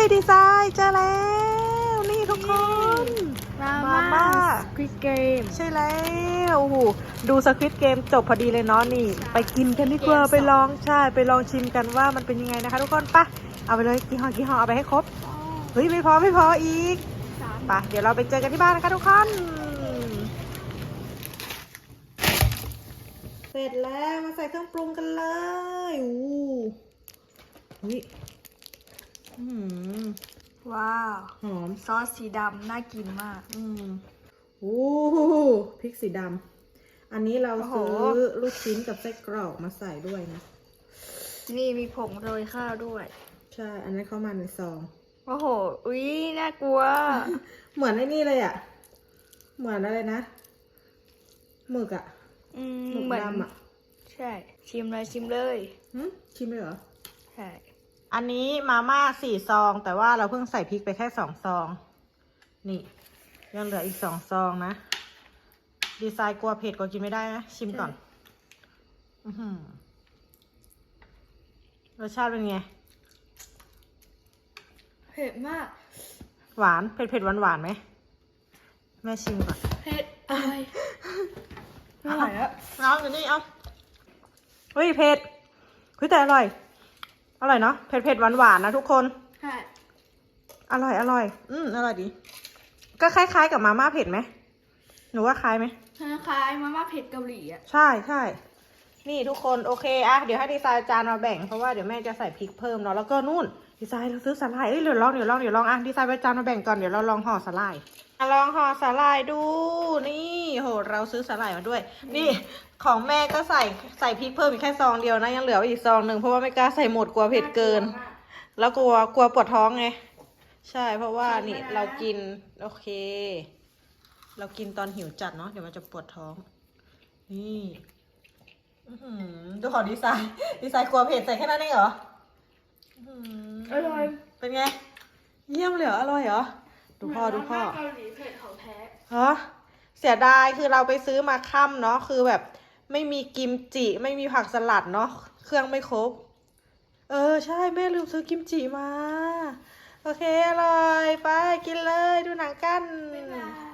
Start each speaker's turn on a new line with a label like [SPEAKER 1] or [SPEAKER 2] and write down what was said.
[SPEAKER 1] ดีไซน์เจอแล้วนี่ทุกคน
[SPEAKER 2] มา
[SPEAKER 1] ม่า
[SPEAKER 2] ม่าสควิดเกม
[SPEAKER 1] ใช่แล้วโอ้โหดูสควิดเกมจบพอดีเลยเนาะนี่ ไปกินกันดีกว่าไปลองใช่ไปลองชิมกันว่ามันเป็นยังไงนะคะทุกคนปะเอาไปเลยกี่ห่อเอาไปให้ครบเฮ้ยไม่พออีกไปเดี๋ยวเราไปเจอกันที่บ้านนะคะทุกคนเสร็จแล้วมาใส่เครื่องปรุงกันเลยอู้หู
[SPEAKER 2] ว้าว
[SPEAKER 1] หอม
[SPEAKER 2] ซอสสีดำน่ากินมาก
[SPEAKER 1] โอ้พริกสีดำอันนี้เราซื้อลูกชิ้นกับไส้กรอกมาใส่ด้วยนะ
[SPEAKER 2] นี่มีผงโรยข้าวด้วย
[SPEAKER 1] ใช่อันนั้นเข้ามาในซอง
[SPEAKER 2] โอ้โห อุ๊ย น่ากลัว
[SPEAKER 1] เหมือนไอ้นี่เลยอ่ะเหมือนอะไรนะหมึกอ่ะหมึก
[SPEAKER 2] เหมือน
[SPEAKER 1] ดำอ่ะ
[SPEAKER 2] ใช่ ชิมเลย
[SPEAKER 1] ชิมเลยเหรอ
[SPEAKER 2] ใช่
[SPEAKER 1] อันนี้มาม่า4 ซองแต่ว่าเราเพิ่งใส่พริกไปแค่2 ซองนี่ยังเหลืออีก2 ซองนะดีไซน์กลัวเผ็ดกลัวกินไม่ได้นะชิมก่อนรสชาติเป็นไง
[SPEAKER 2] เผ็ดมาก
[SPEAKER 1] หวานเผ็ดหวานไหมแม่ชิมก่อน
[SPEAKER 2] เผ็ดอะไรไม่ไหวแล้ว
[SPEAKER 1] เอาเดี๋ยวนี้เอาเฮ้ยเผ็ดเฮ้ยแต่อร่อยเนาะเผ็ดหวานนะทุกคน
[SPEAKER 2] ใช่
[SPEAKER 1] อร่อยอร่อยดีก็คล้ายๆกับมาม่าเผ็ดไหมหนูว่าคล้ายไหม
[SPEAKER 2] คล้ายๆมาม่าเผ็ดเกาหลีอ่ะ
[SPEAKER 1] ใช่นี่ทุกคนโอเคอะเดี๋ยวให้ดีไซน์จานมาแบ่งเพราะว่าเดี๋ยวแม่จะใส่พริกเพิ่มเนาะแล้วก็นู่นดีไซน์เราซื้อสาหร่ายเดี๋ยวลองอะดีไซน์ไปจานมาแบ่งก่อนเดี๋ยวเราลองห่อสาหร่ายลองห่อสาหร่ายดูนี่โหเราซื้อสาหร่ายมาด้วยนี่ของแม่ก็ใส่พริกเพิ่มอีกแค่ซองเดียวนะยังเหลืออีกซองหนึ่งเพราะว่าไม่กล้าใส่หมดกลัวเผ็ดเกิน แล้วกลัวปวดท้องไงใช่เพราะว่านี่เรากินโอเค เรากินตอนหิวจัดเนาะเดี๋ยวมันจะปวดท้องนี่ดูของดีไซน์กลัวเผ็ดใส่แค่นั้นเองเหรอ
[SPEAKER 2] อร่อย
[SPEAKER 1] เป็นไงเยี่ยมเลยเหรออร่อยเหรอดูพ่อ
[SPEAKER 2] มาม่าเกาหลีเผ็ดของแท้
[SPEAKER 1] ฮะเสียดายคือเราไปซื้อมาค่ำเนาะคือแบบไม่มีกิมจิไม่มีผักสลัดเนาะเครื่องไม่ครบใช่แม่ลืมซื้อกิมจิมาโอเคอร่อยไปกินเลยดูหนังกัน
[SPEAKER 2] บ๊ายบาย